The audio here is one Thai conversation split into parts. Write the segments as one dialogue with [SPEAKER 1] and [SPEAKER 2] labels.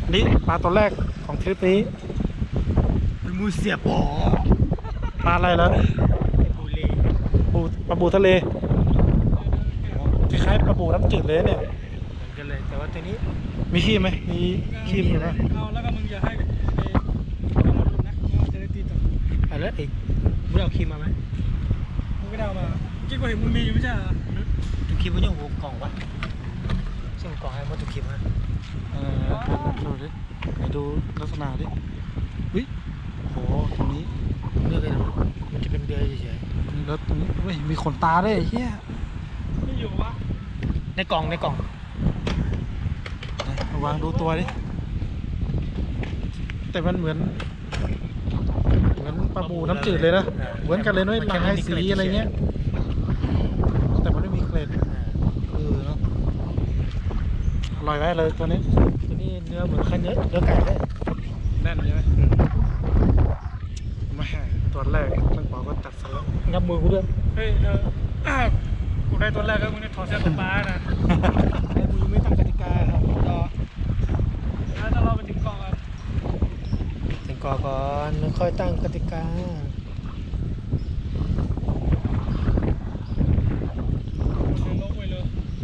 [SPEAKER 1] นี่ปลาตัวแรกของทริปนี้
[SPEAKER 2] เป็นมูเสียบอ
[SPEAKER 1] ปลาอะไรแล้ว
[SPEAKER 2] ไอ้บูเล่
[SPEAKER 1] ปลาบูทะเลคล้ายๆปลาบูน้ำจืดเลยเนี่ย
[SPEAKER 2] เหมือนกันเลยแต่ว่าตัวนี้
[SPEAKER 1] มีขี้ไหมมีขี้อยู่ไหม
[SPEAKER 3] เอาแล้วก็มึงอย่าให้ต้องมาดูนะว่าจะได้ตีต่อ
[SPEAKER 2] อะไรอีกมึงเอาครีมมาไหม
[SPEAKER 3] มึงก็ได้เอามาจริงกว่าเห็นมึงมีอยู่ไม่ใช่เหรอ
[SPEAKER 2] ตุกครีมมันยังหัวกล่องวะส่งกล่องให้มาตุกครีมฮะ
[SPEAKER 1] ดูดิไหนดูลักษณะดิวิโหตรงนี้
[SPEAKER 2] เลือกเลยนะมันจะเป็นเดือยเฉย
[SPEAKER 1] แล้วตรงนี้เว้ยมีขนตาด้วยไอ้เฮีย
[SPEAKER 3] ไม่อยู่วะ
[SPEAKER 2] ๆในกล่อง
[SPEAKER 1] ไหนมาวางดูตัวดิแต่มันเหมือนปลาบูน้ำจืดเลยนะเหมือนกันเลยน้อยลายสีอะไรเงี้ยแต่มันไม่มีเกล็ดเนาะอร่อยไหมเลยตัวนี้
[SPEAKER 2] ตัวนี้เนื้อเหมือนเนื้อไก่เลย
[SPEAKER 3] แน่นใช่ไหม
[SPEAKER 1] มาตัวแรกต้องบอกว่าตัดสลับ
[SPEAKER 2] งับมือกูด้วย
[SPEAKER 3] เฮ้ยกูได้ตัวแรกก็มึงได้ถอดเสื้อป้านะ
[SPEAKER 2] ไอ้มึงไม่ตั้งกติกาครับรอ
[SPEAKER 3] แล้วถ้าเราไปถึงเกาะกัน
[SPEAKER 2] ถึงก่อนแล้วค่อยตั้งกติกา
[SPEAKER 3] เดินลงไปเลย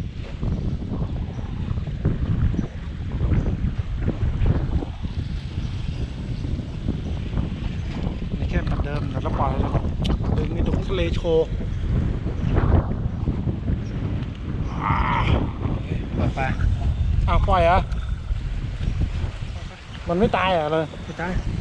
[SPEAKER 1] นี่แค่ปัดเดิมแล้วปล่อยแล้วดึงนี่ดูทะเลโชว์
[SPEAKER 2] ปล่อยไป
[SPEAKER 1] อ้าวปล่อยเหรอ่ะมันไม่ตายเหรอเลย
[SPEAKER 2] ไม่ตาย